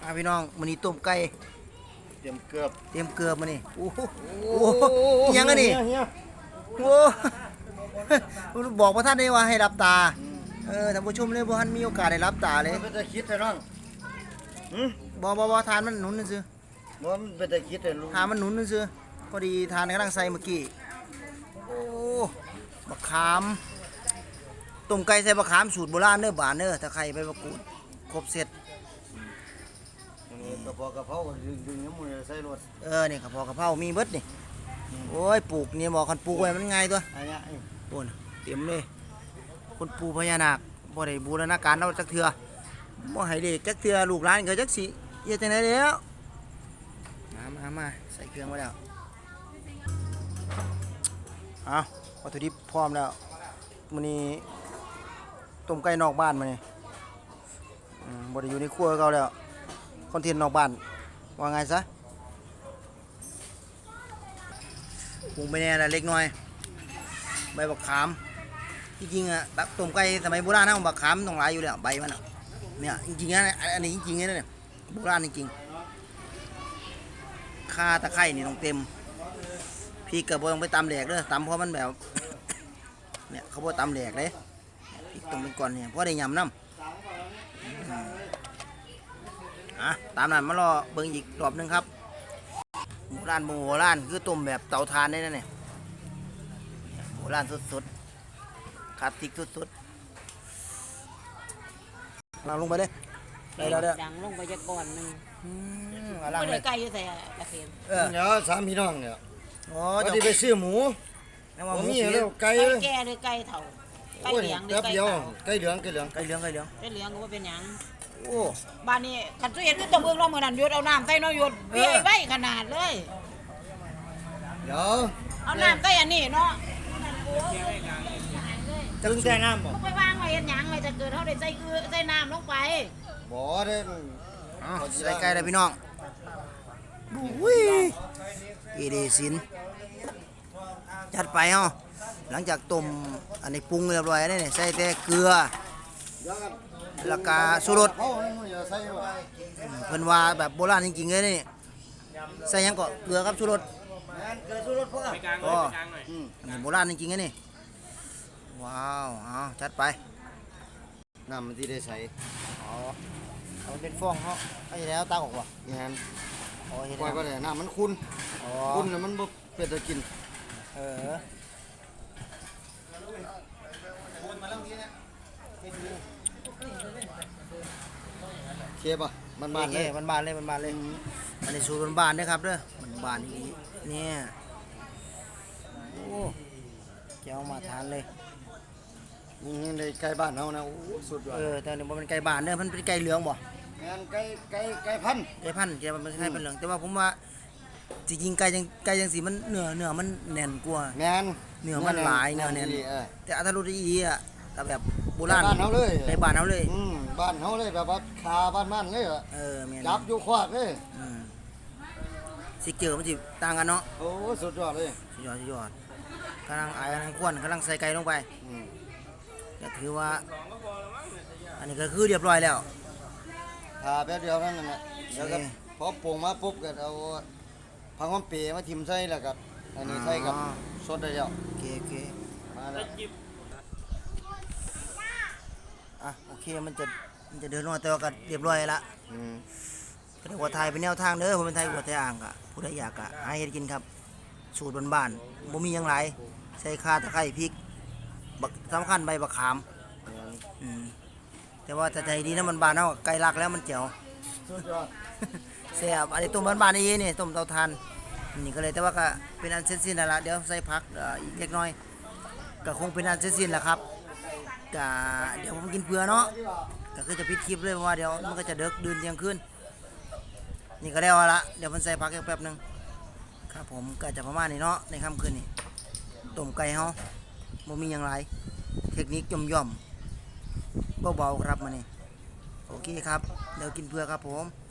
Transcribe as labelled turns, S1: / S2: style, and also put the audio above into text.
S1: พี่น้องมื้อนี้ต้มไก่
S2: เตรียมเกือบ
S1: เตรียมเกลือมื้อนี้โอ้โหอิหยังอันนี้โอ้บอกบ่ทันได้ว่าให้รับตาท่านผู้ชมเลยบ่ทันมีโอกาสได้รับตาเลย
S2: มันเป็นตะคิดแต่น้อง
S1: บ่ทานมันหนุนซื่อ
S2: มันเป็นตะคิดแต่ลุง
S1: ทานมันหนุนซื่อพอดีทานกำลังใส่เมื่อกี้โอ้บักขามต้มไก่ใส่บักขามสูตรโบราณเด้อบานเด้อตะไคร้ใบมะกรูดครบเสร็จ
S2: กระเพาะกระเพราดึงน้ำมือใส่รถ
S1: นี่กะเพรากะเพรามีเบิดนี่โอ้ยปลูกนี่บอกคันปลูกไว้มันง่ายตัว
S2: อันนี้
S1: โอ้นเต็มเลยคนปลูกพญานาคบ่ได้บูรณาการเอาจักเทื่อบ่ให้เด็กจักเทื่อลูกหลานก็จักสิเฮ็ดจังได๋แล้วมาใส่เครื่องไว้แล้วเอาวัตถุดิบพร้อมแล้วมื้อนี้ต้มไก่นอกบ้านมื้อนี้บ่ได้อยู่ในครัวเก่าแล้วคอนเทนต์นอกบ้านว่าไงซะปรุงไปแน่ละเล็กน้อยใบบักขามจริงๆอ่ะแบบต้มไก่สมัยโบราณนะบักขามต้องหลายอยู่แล้วใบมันอ่ะเนี่ยจริงๆนะอันนี้จริงๆนะเนี่ยโบราณจริงๆข่าตะไคร้นี่ต้องเต็มพี่เกิดบ่ต้องไปตำแหลกเด้อตำเพราะมันแบบเนี่ยเขาบ่ตำแหลกเลยพี่ต้องเป็นก่อนเนี่ยเพราะได้ยำน้ำตามนั้นมารอเบิ่งอีกรอบนึงครับโบราณคือต้มแบบเตาถ่านได้นะเนี่ยโบราณสุดๆคลาสสิกสุดๆเราลงไปเลยได้แล้วเด้อ
S3: ดังลงไปจะก่อนหนึง
S1: เอาล่าง
S3: ไม่
S1: เล
S3: ได้
S1: ย
S3: ไกลอยู่แต่ละเข็ม
S2: เดี๋ยวสามพี่น้องเนี่ย
S1: โอ้
S2: วัน
S1: เจ้า
S2: ที่ไปซื้อหมู
S1: แล้วว่า
S2: ผม
S1: หมู
S2: มี
S1: ผี
S2: แล้วไก่
S3: ไก่แก่หรือไก่เฒ่าไก่
S2: โอ้ย
S3: เหลืองหรือ
S2: แป๊บ
S3: ไก่
S2: เดียว
S3: ขาว
S2: ไก่เหลือง
S1: ไก่เหลือง
S3: ไก่เหลืองก็ว่าเป็นหยัง
S1: โอ้
S3: บ้านนี้คันตู้เย็นคือต้องเบิ่งรอบมื้อนั้นหยุดเอาน้ำใส่เนาะหยุดเบี้ยไว้ขนาดเลย
S2: เดี๋ยว
S3: เอาน้ำใส่อันนี้เนาะ
S2: จะแช่น้ำบ่
S3: บ่ไปวางไว้เฮ็ดหยังไว้จะเกิดเฮาได้ใส่ใส่น้ำลงไป
S2: บ่ได้
S1: ใส่ไก่เลยพี่น้องอุ้ยอีเดสินจัดไปเฮาหลังจากต้มอันนี้ปรุงเรียบร้อยแล้วนี่ใส่แต่เกลือแล้วก็ชูรส
S2: เขาอย่าใส่บ่
S1: เพิ่นว่าแบบโบราณจริงๆเลยนี่ใส่หยังก็เกลือกับชูรส
S2: เกลือชูรสพวก
S1: ก็อันนี้โบราณจริงๆเลยนี่ว้าวเอาจัดไป
S2: น้ำมันที่ได้ใส่
S1: อ๋อเอาเป็นฟองเขาไอ้แล้วตาออกว่ะ
S2: งาน
S1: อ๋อเห็น
S2: ปล่อย
S1: แล้ว
S2: ก็ได้น้ำมันขุ่น
S1: อ๋อ
S2: ขุ่นแล้วมันบ่เป็นตะกิน
S1: เออ
S2: เคป่ะมันบ้านๆเลย
S1: มันบานเลยมันบานเลยอันนี้สูตรบานๆนะครับเด้อมันบานอีกเนี่ยโอ้เจ้ามาทานเลย
S2: นี่ในไก่บ้านเฮานะโอ้สุดยอด
S1: แต่นี่บ่เป็นไก่บานเด้อมันเป็นไก่เหลืองบ่
S2: งานไก่พันธุ์
S1: ไก่พันธุ์แกมันคล้ายเป็นเหลืองแต่ว่าผมว่าจริงๆไก่จังสีมันเนื้อมันแน่นกว่า
S2: แมน
S1: เนื้อมันหลายเนื้อแน่น
S2: เออ
S1: แต่อัตรสอีอ่ะแต่แบบโบราณ
S2: บ้านเฮาเลย
S1: ในบ้านเฮาเลย
S2: บ้านเฮาเลยแบบว่าคาบ้านเลยอะ
S1: แม่น
S2: จับอยู่ขวากเลย
S1: สิเจอมันสิต่างกันเนาะ
S2: โอ้สุดยอดเลย
S1: สุดยอดกำลังอายกำลังควนกำลังใส่ไก่ลงไป
S2: อืม
S1: ก็ถือว่า อันนี้ก็คือเรียบร้อยแล้ว
S2: ทาแป๊บเดียวนั่นแหละแล้วก็
S1: โอเค
S2: พอปรุงมาปุ๊บก็เอาผักหอมเปรย์มาทิ่มใส่แล้วก็อันนี้ใส่กับสดได้แล้ว
S1: โอเค
S2: มาแล้ว
S1: โอเคมันจะเดินลงมาแต่ว่าก็เรียบร้อยละ
S2: อืม
S1: ก็เรียกว่าไทยเป็นแนวทางเด้อผมเป็นไทยหัวไทยอ่างกะผู้ใดอยากกะหาเฮ็ดกินครับ สูตรบ้านๆบ่มีหยังหลายใส่ข่าตะไคร้พริกบักสำคัญใบบักขาม
S2: แม่น
S1: แต่ว่าถ้าใจดีนะมันบานเฮาไก่ลักแล้วมันเจ๋ว
S2: สุดยอด
S1: แซ่บอันนี้ต้มบ้านๆนี่นี่ต้มเตาถ่านนี่ก็เลยแต่ว่าก็เป็นอันเสร็จสิ้นแล้วล่ะเดี๋ยวใส่ผักอีกเล็กน้อยก็คงเป็นอันเสร็จสิ้นแล้วครับก็เดี๋ยวผมกินเผื่อเนาะก็คือจะปิดคลิปเลยเพราะว่าเดี๋ยวมันก็จะเดึกดื่นเที่ยงคืนนี่ก็แล้วละเดี๋ยวมันใส่ผักอีกแป๊บนึงครับผมก็จะประมาณนี้เนาะในค่ำคืนนี้ต้มไก่เฮาบ่มีหยังหลายเทคนิคย่อมๆเบาๆครับมื้อนี้โอเคครับเดี๋ยวกินเผื่อครับผม